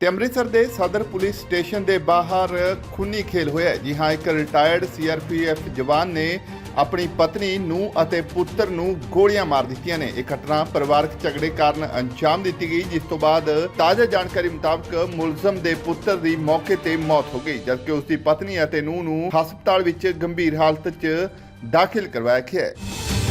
ਤੇ ਅੰਮ੍ਰਿਤਸਰ ਦੇ ਸਦਰ ਪੁਲਿਸ ਸਟੇਸ਼ਨ ਦੇ ਬਾਹਰ ਖੂਨੀ ਖੇਲ ਹੋਇਆ। ਜੀ ਹਾਂ, ਇੱਕ ਰਿਟਾਇਰਡ ਸੀਆਰਪੀਐਫ ਜਵਾਨ ਨੇ ਆਪਣੀ ਪਤਨੀ ਨੂੰ ਅਤੇ ਪੁੱਤਰ ਨੂੰ ਗੋਲੀਆਂ ਮਾਰ ਦਿੱਤੀਆਂ ਨੇ। ਇਹ ਘਟਨਾ ਪਰਿਵਾਰਕ ਝਗੜੇ ਕਾਰਨ ਅੰਜਾਮ ਦਿੱਤੀ ਗਈ, ਜਿਸ ਤੋਂ ਬਾਅਦ ਤਾਜ਼ਾ ਜਾਣਕਾਰੀ ਮੁਤਾਬਕ ਮੁਲਜ਼ਮ ਦੇ ਪੁੱਤਰ ਦੀ ਮੌਕੇ ਤੇ ਮੌਤ ਹੋ ਗਈ, ਜਦਕਿ ਉਸ ਦੀ ਪਤਨੀ ਅਤੇ ਨੂੰਹ ਨੂੰ ਹਸਪਤਾਲ ਵਿੱਚ ਗੰਭੀਰ ਹਾਲਤ 'ਚ ਦਾਖਲ ਕਰਵਾਇਆ ਗਿਆ ਹੈ।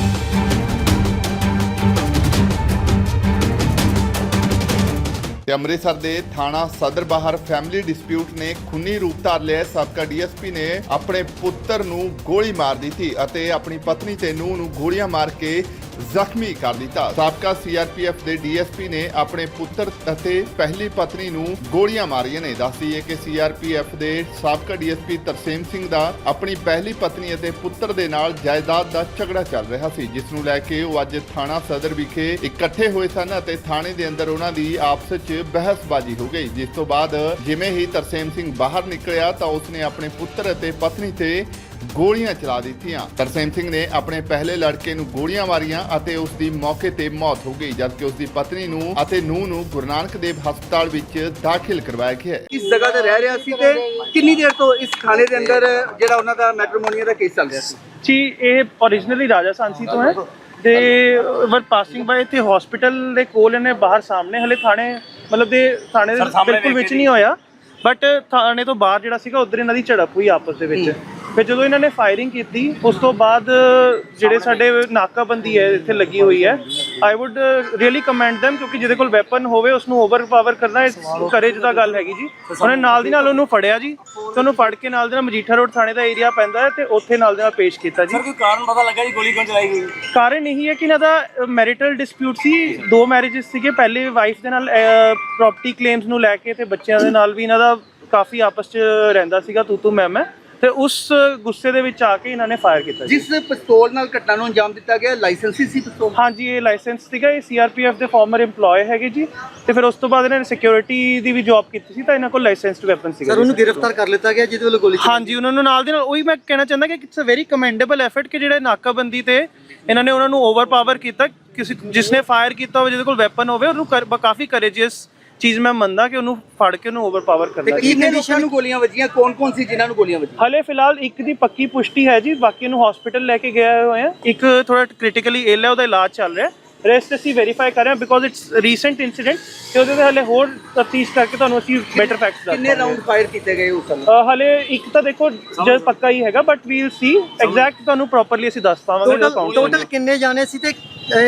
ਤੇ ਅੰਮ੍ਰਿਤਸਰ ਦੇ ਥਾਣਾ ਸਦਰ ਬਾਹਰ ਫੈਮਿਲੀ ਡਿਸਪਿਊਟ ਨੇ ਖੂਨੀ ਰੂਪ ਧਾਰ ਲਿਆ। ਸਾਬਕਾ ਡੀਐਸਪੀ ਨੇ ਆਪਣੇ ਪੁੱਤਰ ਨੂੰ ਗੋਲੀ ਮਾਰ ਦਿੱਤੀ ਅਤੇ ਆਪਣੀ ਪਤਨੀ ਤੇ ਨੂੰਹ ਨੂੰ ਗੋਲੀਆਂ ਮਾਰ ਕੇ ਜ਼ਖਮੀ ਕਰ ਦਿੱਤਾ। ਸਾਬਕਾ ਸੀਆਰਪੀਐਫ ਦੇ ਡੀਐਸਪੀ ਨੇ ਆਪਣੇ ਪੁੱਤਰ ਅਤੇ ਪਹਿਲੀ ਪਤਨੀ ਨੂੰ ਗੋਲੀਆਂ ਮਾਰੀਆਂ ਨੇ। ਦੱਸਦੀ ਹੈ ਕਿ ਸੀਆਰਪੀਐਫ ਦੇ ਸਾਬਕਾ ਡੀਐਸਪੀ ਤਰਸੇਮ ਸਿੰਘ ਦਾ ਆਪਣੀ ਪਹਿਲੀ ਪਤਨੀ ਅਤੇ ਪੁੱਤਰ ਦੇ ਨਾਲ ਜਾਇਦਾਦ ਦਾ ਝਗੜਾ ਚੱਲ ਰਿਹਾ ਸੀ, ਜਿਸ ਨੂੰ ਲੈ ਕੇ ਉਹ ਅੱਜ ਥਾਣਾ ਸਦਰ ਵਿਖੇ ਇਕੱਠੇ ਹੋਏ ਸਨ ਅਤੇ ਥਾਣੇ ਦੇ ਅੰਦਰ ਉਹਨਾਂ ਦੀ ਆਪਸ 'ਚ ਬਹਿਸਬਾਜ਼ੀ ਹੋ ਗਈ। ਜਿਸ ਤੋਂ ਬਾਅਦ ਜਿਵੇਂ ਹੀ ਤਰਸੇਮ ਸਿੰਘ ਬਾਹਰ ਨਿਕਲਿਆ ਤਾਂ ਉਸਨੇ ਆਪਣੇ ਪੁੱਤਰ ਅਤੇ ਪਤਨੀ ਤੇ ਗੋਲੀਆਂ ਚਲਾ ਦਿੱਤੀਆਂ। ਤਰਸੇਮ ਸਿੰਘ ਨੇ ਆਪਣੇ ਪਹਿਲੇ ਲੜਕੇ ਨੂੰ ਗੋਲੀਆਂ ਮਾਰੀਆਂ ਅਤੇ ਉਸ ਦੀ ਮੌਕੇ ਤੇ ਮੌਤ ਹੋ ਗਈ, ਜਦਕਿ ਉਸ ਦੀ ਪਤਨੀ ਨੂੰ ਅਤੇ ਨੂੰਹ ਨੂੰ ਗੁਰੂ ਨਾਨਕ ਦੇਵ ਹਸਪਤਾਲ ਵਿੱਚ ਦਾਖਲ ਕਰਵਾਇਆ ਗਿਆ ਹੈ। ਇਸ ਜਗ੍ਹਾ ਤੇ ਰਹਿ ਰਿਹਾ ਸੀ ਤੇ ਕਿੰਨੀ ਦੇਰ ਤੋਂ ਇਸ ਥਾਣੇ ਦੇ ਅੰਦਰ ਜਿਹੜਾ ਉਹਨਾਂ ਦਾ ਮੈਟਰੀਮੋਨੀਆ ਦਾ ਕੇਸ ਚੱਲ ਰਿਹਾ ਸੀ? ਜੀ ਇਹ ओरिजिनली ਰਾਜਾ ਸਾਂਸੀ ਤੋਂ ਹੈ ਤੇ ਵਰ ਪਾਸਿੰਗ ਬਾਏ ਤੇ ਹਸਪੀਟਲ ਦੇ ਕੋਲ ਇਹਨੇ ਬਾਹਰ ਸਾਹਮਣੇ ਹਲੇ ਥਾਣੇ ਮਤਲਬ ਦੇ ਥਾਣੇ ਦੇ ਬਿਲਕੁਲ ਵਿੱਚ ਨਹੀਂ ਹੋਇਆ, ਬਟ ਥਾਣੇ ਤੋਂ ਬਾਹਰ ਜਿਹੜਾ ਸੀਗਾ ਉਧਰ ਇਹਨਾਂ ਦੀ ਝੜਪ ਹੋਈ ਆਪਸ ਦੇ ਵਿੱਚ। ਫਿਰ ਜਦੋਂ ਇਹਨਾਂ ਨੇ ਫਾਇਰਿੰਗ ਕੀਤੀ ਉਸ ਤੋਂ ਬਾਅਦ ਜਿਹੜੇ ਸਾਡੇ ਨਾਕਾਬੰਦੀ ਹੈ ਇੱਥੇ ਲੱਗੀ ਹੋਈ ਹੈ, I would really commend them, ਕਿਉਂਕਿ ਜਿਹਦੇ ਕੋਲ ਵੈਪਨ ਹੋਵੇ ਉਸ ਨੂੰ ਓਵਰਪਾਵਰ ਕਰਨਾ ਕਰੇਜ ਦਾ ਗੱਲ ਹੈਗੀ ਜੀ। ਉਹਨੇ ਨਾਲ ਦੀ ਨਾਲ ਉਹਨੂੰ ਫੜਿਆ ਜੀ ਤੇ ਉਹਨੂੰ ਫੜ ਕੇ ਨਾਲ ਦੇ ਨਾਲ ਮਜੀਠਾ ਰੋਡ ਥਾਣੇ ਦਾ ਏਰੀਆ ਪੈਂਦਾ ਹੈ ਤੇ ਉੱਥੇ ਨਾਲ ਦੇ ਨਾਲ ਪੇਸ਼ ਕੀਤਾ ਜੀ। ਸਰ ਕੋਈ ਕਾਰਨ ਪਤਾ ਲੱਗਾ ਜੀ ਗੋਲੀ ਕਿਉਂ ਚਲਾਈ ਗਈ? ਕਾਰਨ ਇਹੀ ਹੈ ਕਿ ਇਹਨਾਂ ਦਾ ਮੈਰਿਟਲ ਡਿਸਪਿਊਟ ਸੀ, 2 ਮੈਰਿਜਸ ਸੀਗੇ। ਪਹਿਲੇ ਵਾਈਫ ਦੇ ਨਾਲ ਪ੍ਰੋਪਰਟੀ ਕਲੇਮਸ ਨੂੰ ਲੈ ਕੇ ਤੇ ਬੱਚਿਆਂ ਦੇ ਨਾਲ ਵੀ ਇਹਨਾਂ ਦਾ ਕਾਫੀ ਆਪਸ 'ਚ ਰਹਿੰਦਾ ਸੀਗਾ ਤੂੰ ਮੈਂ ਤੇ ਉਸ ਗੁੱਸੇ ਦੇ ਵਿੱਚ ਆ ਕੇ ਇਹਨਾਂ ਨੇ ਫਾਇਰ ਕੀਤਾ। ਜਿਸ ਪਿਸਤੌਲ ਨਾਲ ਘਟਨਾ ਨੂੰ ਅੰਜਾਮ ਦਿੱਤਾ ਗਿਆ ਲਾਇਸੈਂਸੀ ਸੀ ਪਿਸਤੌਲ? ਹਾਂਜੀ, ਇਹ ਲਾਇਸੈਂਸ ਸੀਗਾ। ਇਹ ਸੀਆਰਪੀਐਫ ਦੇ ਫਾਰਮਰ EMPLOYE ਹੈਗੇ ਜੀ ਤੇ ਫਿਰ ਉਸ ਤੋਂ ਬਾਅਦ ਇਹਨਾਂ ਨੇ ਸਿਕਿਉਰਿਟੀ ਦੀ ਵੀ ਜੌਬ ਕੀਤੀ ਸੀ ਤਾਂ ਇਹਨਾਂ ਕੋਲ ਲਾਇਸੈਂਸਡ ਵੈਪਨ ਸੀਗਾ। ਸਰ ਉਹਨੂੰ ਗ੍ਰਿਫਤਾਰ ਕਰ ਲਿੱਤਾ ਗਿਆ ਜਿਹਦੇ ਵੱਲੋਂ ਗੋਲੀ? ਹਾਂਜੀ, ਉਹਨਾਂ ਨੂੰ ਨਾਲ ਦੇ ਨਾਲ ਉਹੀ ਮੈਂ ਕਹਿਣਾ ਚਾਹੁੰਦਾ ਕਿ it's a very commendable effort ਕਿ ਜਿਹੜੇ ਨਾਕਾਬੰਦੀ ਤੇ ਇਹਨਾਂ ਨੇ ਉਹਨਾਂ ਨੂੰ ਓਵਰਪਾਵਰ ਕੀਤਾ। ਕਿਸੇ ਜਿਸਨੇ ਫਾਇਰ ਕੀਤਾ ਹੋਵੇ ਜਿਹਦੇ ਕੋਲ ਵੈਪਨ ਹੋਵੇ ਉਹਨੂੰ ਕਾਫੀ ਕਰੇਜੀਅਸ ਚੀਜ਼ ਮੈਂ ਮੰਨਦਾ ਕਿ ਉਹਨੂੰ ਫੜ ਕੇ ਉਹਨੂੰ ਓਵਰਪਾਵਰ ਕਰਨਾ। ਕਿੰਨੇ ਲੋਕਾਂ ਨੂੰ ਗੋਲੀਆਂ ਵੱਜੀਆਂ? ਕੌਣ ਸੀ ਜਿਨ੍ਹਾਂ ਨੂੰ ਗੋਲੀਆਂ ਵੱਜੀਆਂ? ਹਲੇ ਫਿਲਹਾਲ ਇੱਕ ਦੀ ਪੱਕੀ ਪੁਸ਼ਟੀ ਹੈ ਜੀ, ਬਾਕੀ ਨੂੰ ਹਸਪੀਟਲ ਲੈ ਕੇ ਗਏ ਹੋਏ ਆ। ਇੱਕ ਥੋੜਾ ਕ੍ਰਿਟੀਕਲੀ ਇਲ ਹੈ, ਉਹਦਾ ਇਲਾਜ ਚੱਲ ਰਿਹਾ। ਰੈਸਟ ਅਸੀਂ ਵੈਰੀਫਾਈ ਕਰ ਰਹੇ ਹਾਂ ਬਿਕੋਜ਼ ਇਟਸ ਰੀਸੈਂਟ ਇਨਸੀਡੈਂਟ ਤੇ ਉਹਦੇ ਤੇ ਹਲੇ ਹੋਰ ਤਫਤੀਸ਼ ਕਰਕੇ ਤੁਹਾਨੂੰ ਅਸੀਂ ਬੈਟਰ ਫੈਕਟਸ ਦੱਸਾਂਗੇ। ਕਿੰਨੇ ਰਾਉਂਡ ਫਾਇਰ ਕੀਤੇ ਗਏ ਉਸ ਸਮੇਂ? ਹਲੇ ਇੱਕ ਤਾਂ ਦੇਖੋ ਜਦ ਪੱਕਾ ਹੀ ਹੈਗਾ, ਬਟ ਵੀਲ ਸੀ ਐਗਜ਼ੈਕਟ ਤੁਹਾਨੂੰ ਪ੍ਰੋਪਰਲੀ ਅਸੀਂ ਦੱਸ ਪਾਵਾਂਗੇ। ਟੋਟਲ ਕਿੰਨੇ ਜਾਣੇ ਸੀ ਤੇ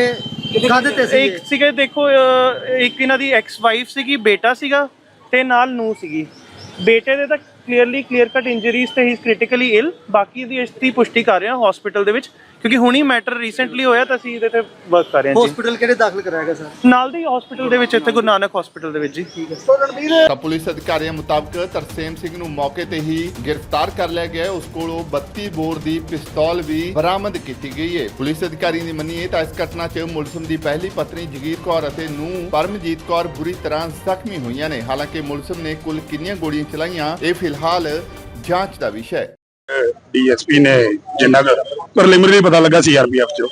ਕਾਹਦੇ ਤੇ ਸੀ? ਇੱਕ ਸੀਗੇ ਦੇਖੋ ਇੱਕ ਇਹਨਾਂ ਦੀ ਐਕਸ ਵਾਈਫ ਸੀਗੀ, ਬੇਟਾ ਸੀਗਾ ਤੇ ਨਾਲ ਨੂੰਹ ਸੀਗੀ। ਬੇਟੇ ਦੇ ਤਾਂ ਕਲੀਅਰ ਕੱਟ ਇੰਜਰੀਜ਼ ਤੇ ਹੀ ਇਜ਼ ਕ੍ਰਿਟੀਕਲੀ ਇਲ। ਬਾਕੀ ਦੀ ਇਸ ਦੀ ਪੁਸ਼ਟੀ ਕਰ ਰਹੇ ਹਾਂ ਹਸਪੀਟਲ ਦੇ ਵਿੱਚ, ਕਿਉਂਕਿ ਹੁਣੀ ਮੈਟਰ ਰੀਸੈਂਟਲੀ ਹੋਇਆ ਤਾਂ ਅਸੀਂ ਇਹਦੇ ਤੇ ਵਰਕ ਕਰ ਰਹੇ ਹਾਂ ਜੀ। ਹਸਪੀਟਲ ਕਿਹੜੇ ਦਾਖਲ ਕਰਾਇਆ ਗਿਆ ਸਰ? ਨਾਲ ਦੇ ਹਸਪੀਟਲ ਦੇ ਵਿੱਚ, ਇੱਥੇ ਗੁਰੂ ਨਾਨਕ ਹਸਪੀਟਲ ਦੇ ਵਿੱਚ ਜੀ। ਠੀਕ ਹੈ। ਤਾਂ ਪੁਲਿਸ ਅਧਿਕਾਰੀਆਂ ਮੁਤਾਬਕ ਤਰਸੇਮ ਸਿੰਘ ਨੂੰ ਮੌਕੇ ਤੇ ਹੀ ਗ੍ਰਿਫਤਾਰ ਕਰ ਲਿਆ ਗਿਆ। ਉਸ ਕੋਲੋਂ 32 ਬੋਰ ਦੀ ਪਿਸਤੌਲ ਵੀ ਬਰਾਮਦ ਕੀਤੀ ਗਈ ਹੈ। ਪੁਲਿਸ ਅਧਿਕਾਰੀਆਂ ਦੀ ਮੰਨੀਏ ਤਾਂ ਇਸ ਘਟਨਾ 'ਚ ਮੁਲਜ਼ਮ ਦੀ ਪਹਿਲੀ ਪਤਨੀ ਜਗੀਰ ਕੌਰ ਅਤੇ ਨੂੰਹ ਪਰਮਜੀਤ ਕੌਰ ਬੁਰੀ ਤਰ੍ਹਾਂ ਜ਼ਖਮੀ ਹੋਈਆਂ ਨੇ। ਹਾਲਾਂਕਿ ਮੁਲਜ਼ਮ ਨੇ ਕੁੱਲ ਕਿੰਨੀਆਂ ਗੋਲੀਆਂ ਚਲਾਈਆਂ ਇਹ ਫਿਲਹਾਲ ਜਾਂਚ ਦਾ ਵਿਸ਼ਾ ਹੈ। ਡੀਐਸਪੀ ਨੇ ਜਿੰਨਾ ਕੁ ਪ੍ਰੀਲਿਮਿਨਰੀ ਪਤਾ ਲੱਗਾ ਸੀਆਰਪੀਐਫ ਚੋਂ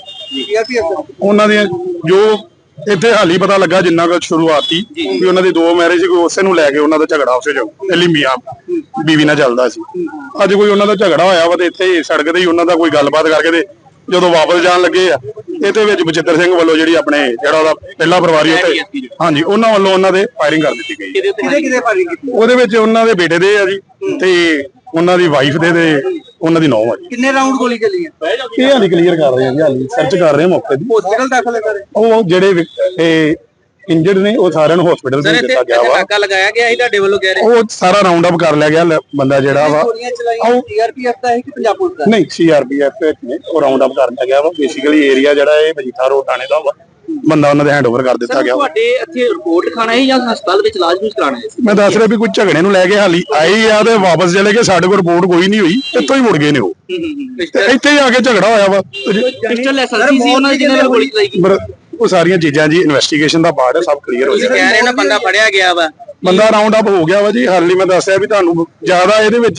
ਉਹਨਾਂ ਦੀਆਂ ਜੋ ਇੱਥੇ ਹਾਲੀ ਪਤਾ ਲੱਗਾ ਜਿੰਨਾ ਕੁ ਸ਼ੁਰੂਆਤੀ ਵੀ ਉਹਨਾਂ ਦੀ 2 ਮੈਰਿਜ ਕੋਈ ਉਸੇ ਨੂੰ ਲੈ ਕੇ ਉਹਨਾਂ ਦਾ ਝਗੜਾ ਉਸੇ ਜੋ ਪਹਿਲੀ ਮੀਆਂ ਬੀਵੀ ਨਾਲ ਚੱਲਦਾ ਸੀ। ਅੱਜ ਕੋਈ ਉਹਨਾਂ ਦਾ ਝਗੜਾ ਹੋਇਆ ਵਾ ਤੇ ਇੱਥੇ ਸੜਕ ਤੇ ਹੀ ਉਹਨਾਂ ਦਾ ਕੋਈ ਗੱਲਬਾਤ ਕਰਕੇ ਤੇ ਜਦੋਂ ਵਾਪਸ ਜਾਣ ਲੱਗੇ ਆ ਇਹਦੇ ਵਿੱਚ ਬਚਿੱਤਰ ਸਿੰਘ ਵੱਲੋਂ ਜਿਹੜੀ ਆਪਣੇ ਜਿਹੜਾ ਉਹਦਾ ਪਹਿਲਾ ਪਰਿਵਾਰੀ ਉੱਤੇ ਹਾਂਜੀ ਉਹਨਾਂ ਵੱਲੋਂ ਉਹਨਾਂ ਦੇ ਫਾਇਰਿੰਗ ਕਰ ਦਿੱਤੀ ਗਈ। ਕਿਹਦੇ ਫਾਇਰਿੰਗ ਕੀਤੀ? ਉਹਦੇ ਵਿੱਚ ਉਹਨਾਂ ਦੇ ਬੇਟੇ ਦੇ ਆ ਜੀ ਤੇ ਉਹਨਾਂ ਦੀ ਵਾਈਫ ਦੇ ਤੇ ਉਹਨਾਂ ਦੀ ਨੌਂ ਆ ਜੀ। ਕਿੰਨੇ ਰਾਉਂਡ ਗੋਲੀ ਚੱਲੀ ਹੈ ਇਹ ਹਾਲੀ ਕਲੀਅਰ ਕਰ ਰਹੇ ਹਾਂ ਜੀ, ਹਾਲੀ ਸਰਚ ਕਰ ਰਹੇ ਹਾਂ ਮੌਕੇ ਦੀ। ਹਸਪੀਟਲ ਦਾਖਲ ਕਰ ਰਹੇ ਉਹ ਜਿਹੜੇ ਇੰਜਰਡ ਨੇ ਉਹ ਸਾਰਿਆਂ ਨੂੰ ਹਸਪੀਟਲ ਭੇਜ ਦਿੱਤਾ ਗਿਆ ਵਾ। ਨਾਕਾ ਲਗਾਇਆ ਗਿਆ ਸੀ ਤੁਹਾਡੇ ਵੱਲੋਂ ਕਹਿ ਰਹੇ? ਉਹ ਸਾਰਾ ਰਾਉਂਡ ਅਪ ਕਰ ਲਿਆ ਗਿਆ ਬੰਦਾ ਜਿਹੜਾ ਵਾ। ਗੋਲੀਆਂ ਚਲਾਈਆਂ ਸੀਆਰਪੀਐਫ ਦਾ ਹੈ ਕਿ ਪੰਜਾਬ ਪੁਲਿਸ ਦਾ? ਨਹੀਂ, ਸੀਆਰਪੀਐਫ ਨੇ ਉਹ ਰਾਉਂਡ ਅਪ ਕਰ ਲਿਆ ਗਿਆ ਵਾ। ਬੇਸਿਕਲੀ ਏਰੀਆ ਜਿਹੜਾ ਇਹ ਮਜੀਠਾ ਰੋਡ ਥਾਣੇ ਦਾ ਵਾ, ਬੰਦਾ ਉਹਨਾਂ ਦੇ ਹੈਂਡਓਵਰ ਕਰ ਦਿੱਤਾ ਗਿਆ। ਤੁਹਾਡੇ ਇੱਥੇ ਰਿਪੋਰਟ ਖਾਣਾ ਹੈ ਜਾਂ ਹਸਪਤਾਲ ਵਿੱਚ ਇਲਾਜ ਕੁਝ ਕਰਾਣਾ ਹੈ? ਮੈਂ ਦੱਸ ਰਿਹਾ ਵੀ ਕੋਈ ਝਗੜੇ ਨੂੰ ਲੈ ਕੇ ਹਾਲੀ ਆਏ ਆ ਤੇ ਵਾਪਸ ਚਲੇ ਗਏ। ਸਾਡੇ ਕੋਲ ਰਿਪੋਰਟ ਕੋਈ ਨਹੀਂ ਹੋਈ, ਇੱਥੋਂ ਹੀ ਮੁੜ ਗਏ ਨੇ ਉਹ। ਇੱਥੇ ਹੀ ਆ ਕੇ ਝਗੜਾ ਹੋਇਆ ਵਾ। ਪਿਸਟਲ ਐਸਐਲਸੀ ਸੀ ਉਹਨਾਂ ਦੀ ਜਿਹਨਾਂ ਨਾਲ ਗੋਲੀ ਚਲਾਈ ਗਈ? ਉਹ ਸਾਰੀਆਂ ਚੀਜ਼ਾਂ ਜੀ ਇਨਵੈਸਟੀਗੇਸ਼ਨ ਦਾ ਪਾਰਟ ਹੈ, ਸਭ ਕਲੀਅਰ ਹੋ ਜਾਏਗਾ। ਕਹਿ ਰਹੇ ਨਾ ਬੰਦਾ ਫੜਿਆ ਗਿਆ ਵਾ, ਬੰਦਾ ਰਾਉਂਡ ਅਪ ਹੋ ਗਿਆ ਵਾ ਜੀ। ਹਾਲੀ ਮੈਂ ਦੱਸਿਆ ਵੀ ਤੁਹਾਨੂੰ ਜ਼ਿਆਦਾ ਇਹਦੇ ਵਿੱਚ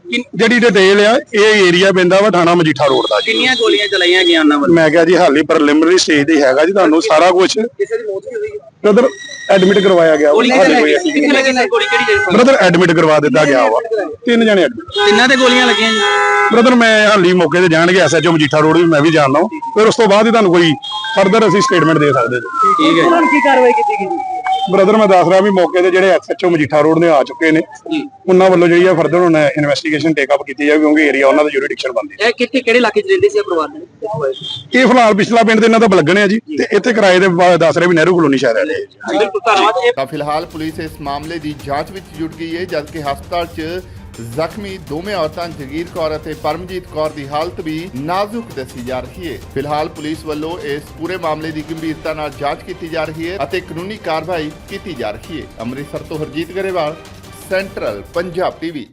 ਜਿਹੜੀ ਡਿਟੇਲ ਆ ਇਹ ਏਰੀਆ ਪੈਂਦਾ ਵਾ ਥਾਣਾ ਮਜੀਠਾ ਰੋਡ ਦਾ ਜੀ। ਕਿੰਨੀਆਂ ਗੋਲੀਆਂ ਚਲਾਈਆਂ ਗਈਆਂ ਉਹਨਾਂ ਵੱਲੋਂ? ਮੈਂ ਕਿਹਾ ਜੀ ਹਾਲੀ ਪ੍ਰੀਲਿਮਿਨਰੀ ਸਟੇਜ ਤੇ ਹੈਗਾ ਜੀ, ਤੁਹਾਨੂੰ ਸਾਰਾ ਕੁਝ ਕਿਸੇ ਦੀ ਮੌਤ ਵੀ ਹੋਈ ਹੈ? ਬ੍ਰਦਰ ਐਡਮਿਟ ਕਰਵਾਇਆ ਗਿਆ ਗੋਲੀ ਕਿੱਥੇ ਲੱਗੀ? ਕਿੱਥੇ ਲੱਗੀ ਸਰ ਗੋਲੀ ਕਿਹੜੀ ਜਗ੍ਹਾ? ਬ੍ਰਦਰ ਐਡਮਿਟ ਕਰਵਾ ਦਿੱਤਾ ਗਿਆ ਵਾ, 3 ਜਣੇ admit। ਤਿੰਨਾਂ ਤੇ ਗੋਲੀਆਂ ਲੱਗੀਆਂ ਜੀ? ਬ੍ਰਦਰ ਮੈਂ ਹਾਲੀ ਮੌਕੇ ਤੇ ਜਾਣਗੇ ਐਸਐਚਓ ਮਜੀਠਾ ਰੋਡ ਵੀ ਮੈਂ ਵੀ ਜਾਣਦਾ, ਫਿਰ ਉਸ ਤੋਂ ਬਾਅਦ ਹੀ ਤੁਹਾਨੂੰ ਕੋਈ ਫਰਦਰ ਅਸੀਂ ਸਟੇਟਮੈਂਟ ਦੇ ਸਕਦੇ ਜੀ। ਠੀਕ ਹੈ। ਉਹਨਾਂ ਨੂੰ ਕੀ ਕਾਰਵਾਈ ਕੀਤੀ ਗਈ? ਬ੍ਰਦਰ ਮੈਂ ਦੱਸ ਰਿਹਾ ਵੀ ਮੌਕੇ ਤੇ ਜਿਹੜੇ ਐਸਐਚਓ ਮਜੀਠਾ ਰੋਡ ਨੇ ਆ ਚੁੱਕੇ ਨੇ, ਉਹਨਾਂ ਵੱਲੋਂ ਜਿਹੜੀ ਆ ਫਰਦਰ ਹੁਣ ਇਨਵੈਸਟੀਗੇਸ਼ਨ ਟੇਕ ਅਪ ਕੀਤੀ ਜਾਵੇ, ਕਿਉਂਕਿ ਏਰੀਆ ਉਹਨਾਂ ਦਾ ਜੁਰਿਡਿਕਸ਼ਨ ਬਣਦੀ ਹੈ। ਇਹ ਕਿੱਥੇ ਕਿਹੜੇ ਇਲਾਕੇ 'ਚ ਰਹਿੰਦੇ ਸੀ ਇਹ ਪਰਿਵਾਰ ਦੇ? ਇਹ ਫਿਲਹਾਲ ਪਿਛਲਾ ਪਿੰਡ ਦੇ ਇਹਨਾਂ ਦਾ ਬਲਗਣ ਹੈ ਜੀ, ਤੇ ਇੱਥੇ ਕਿਰਾਏ ਦੇ ਦੱਸ ਰਹੇ ਵੀ ਨਹਿਰੂ ਕਲੋਨੀ ਸ਼ਹਿਰ ਰਹਿੰਦੇ ਜੀ। ਬਿਲਕੁਲ ਧੰਨਵਾਦ। ਤਾਂ ਫਿਲਹਾਲ ਪੁਲਿਸ ਇਸ ਮਾਮਲੇ ਦੀ ਜਾਂਚ ਵਿੱਚ ਜੁਟ ਗਈ ਹੈ, ਜਦਕਿ ਹਸਪਤਾਲ 'ਚ ਜ਼ਖਮੀ ਦੋਵੇਂ ਔਰਤਾਂ ਜਗੀਰ ਕੌਰ ਅਤੇ ਪਰਮਜੀਤ ਕੌਰ ਦੀ ਹਾਲਤ ਵੀ ਨਾਜ਼ੁਕ ਦੱਸੀ ਜਾ ਰਹੀ ਹੈ। ਫਿਲਹਾਲ ਪੁਲਿਸ ਵੱਲੋਂ ਇਸ ਪੂਰੇ ਮਾਮਲੇ ਦੀ ਗੰਭੀਰਤਾ ਨਾਲ ਜਾਂਚ ਕੀਤੀ ਜਾ ਰਹੀ ਹੈ ਅਤੇ ਕਾਨੂੰਨੀ ਕਾਰਵਾਈ ਕੀਤੀ ਜਾ ਰਹੀ ਹੈ। ਅੰਮ੍ਰਿਤਸਰ ਤੋਂ ਹਰਜੀਤ ਗਰੇਵਾਲ, ਸੈਂਟਰਲ ਪੰਜਾਬ ਟੀਵੀ।